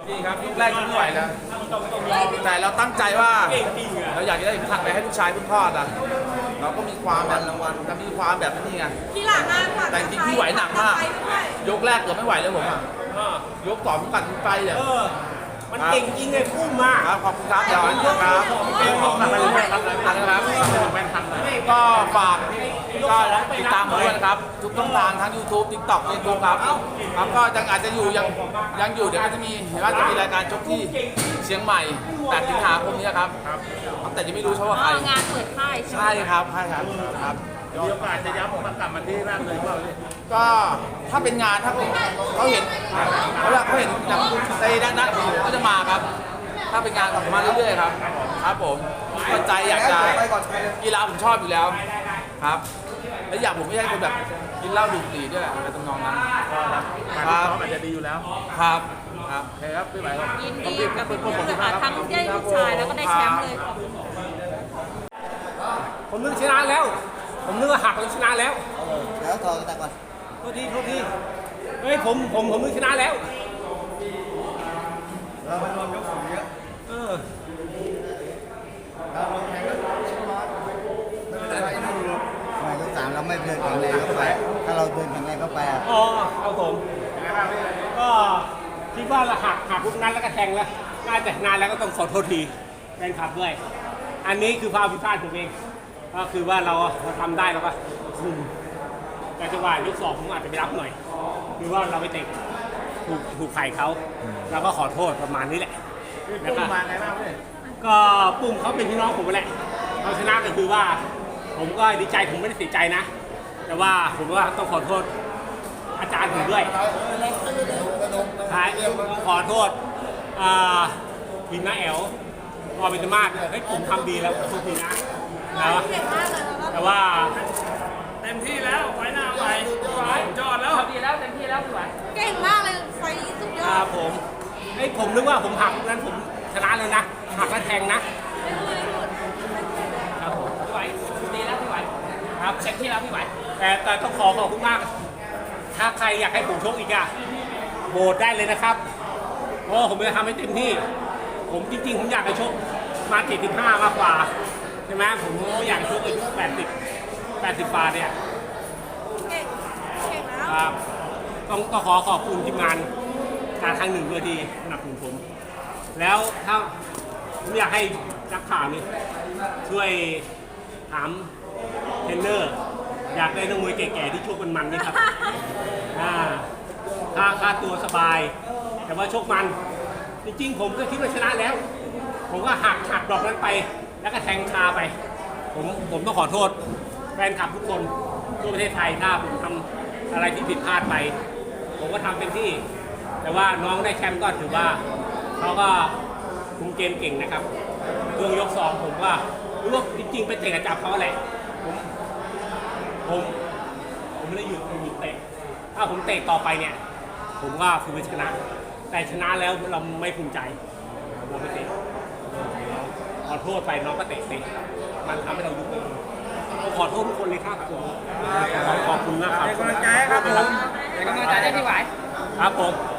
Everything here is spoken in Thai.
นี่ครับยุคแรกไม่ไหวแล้วแต่เราตั้งใจว่าเราอยากจะได้ผักไปให้ลูกชายคุณพ่ออ่ะเราก็มีความแบบรางวัลมีความแบบนี้ไงพี่หลานมากค่ะแต่จริงพี่ไหวหนักมากยกแรกเกือบไม่ไหวเลยผมอ่ะยกต่อผมกัดไปเนี่ยมันเก่งจริงไงพุ่มมากครับขอบคุณครับเดี๋ยวครับก็ฝากก็ติดตามผมด้วยนะครับทุกช่องทางทั้ง YouTube TikTok Facebook ครับครับก็ยังอาจจะอยู่ยังอยู่เดี๋ยวก็จะมีเห็นว่าจะมีรายการชกที่เชียงใหม่8 สิงหาคมนี้ครับแต่ยังไม่รู้ว่าใครงานเปิดค่ายใช่ครับครับมีโอกาสจะย้ำผมกลับมาที่ร่างเลยว่าก็ถ้าเป็นงานถ้าเขาเห็นในด้านเขาจะมาครับถ้าเป็นงานของมาเรื่อยๆครับครับผมก็ใจอยากจะกีฬาผมชอบอยู่แล้วครับและอยากผมไม่ใช่คนแบบกินเหล้าดื่มบุหรี่ด้วยอะไรตำนองนั้นครับอาจจะดีอยู่แล้วครับโอเคครับพี่ไหวครับยินดีกับคุณเลยค่ะทั้งได้ลูกชายแล้วก็ได้แชมป์เลยผมนึกชนะแล้วผมนึกว่าหักแล้วชนะแล้วแล้วถอดแต่ก่อนโทษทีเฮ้ยผมนึกชนะแล้วเราไปรวมยกสูงเยอะเราลงแข่งก็ชิบร้อนไม่เป็นไรไม่ยก3เราไม่เดินแข็งแรงเข้าไปถ้าเราเดินแข็งแรงเข้าไปอ๋อเอาผมก็คิดว่าเราหักลูกนั้นแล้วก็แทงแล้วน่าจะนานแล้วก็ต้องขอโทษทีแฟนคลับด้วยอันนี้คือความผิดพลาดผมเองก็คือว่าเราทำได้แล้วก็แต่จังหวะยก2ผมอาจจะไปรับหน่อยคือว่าเราไปเตะถูกไข่เขาเราก็ขอโทษประมาณนี้แหละแล้วก็มาไงบ้างพี่ก็ปุ่มเขาเป็นพี่น้องผมแหละเขาชนะก็คือว่าผมก็ดีใจผมไม่ได้เสียใจนะแต่ว่าผมว่าต้องขอโทษอาจารย์ผมด้วยขอโทษทีมน้าแอลพอเป็นธรรมาให้ผมทำดีแล้วทุกทีนะแต่ว่าเต็มที่แล้วไฟหน้าไปจอดแล้วดีแล้วเต็มที่แล้วพี่ไหวเก่งมากเลยไฟสุดยอดผมนึกว่าผมหักนั้นผมชนะเลยนะหักแล้วแทงนะครับผมพี่ไหวดีแล้วพี่ไหวครับเต็มที่แล้วพี่ไหวแต่ต้องขอบคุณมากถ้าใครอยากให้ผมชกอีกอะโหวตได้เลยนะครับเพราะผมจะทำให้เต็มที่ผมจริงๆผมอยากจะชกมา75มากกว่าใช่ไหมผมไม่อยากชกอายุ80 ปาเนี่ยเก่งแล้วครับต้องขอบคุณทีมงานการทางหนึ่งด้วยที่สนับสนุนผมแล้วถ้าผมอยากให้นักข่าวนี่ช่วยถามเทรนเนอร์อยากได้นักมวยแก่ๆที่ชกมันนี่ครับค่าตัวสบายแต่ว่าชกมันจริงๆผมก็คิดว่าชนะแล้วผมก็หักดอกนั้นไปแล้วก็แทงคาไปผมต้องขอโทษแฟนคลับทุกคนทั่วประเทศไทยถ้าผมทำอะไรที่ผิดพลาดไปผมก็ทำเป็นที่แต่ว่าน้องได้แชมป์ก็ถือว่าเขาก็คุมเกมเก่งนะครับช่วงยก2ผมว่ารู้ว่าจริงๆไปเตะกระจับเขาแหละผมไม่ได้หยุดเตะถ้าผมเตะต่อไปเนี่ยผมก็คือชนะแต่ชนะแล้วเราไม่ภูมิใจเราไม่เตะขอโทษไปน้องก็เตะมันทำให้เรายุบเลยขอโทษทุกคนเลยครับผมขอบคุณนะครับเป็นกำลังใจครับผมเป็นกำลังใจได้พี่ไหวครับผม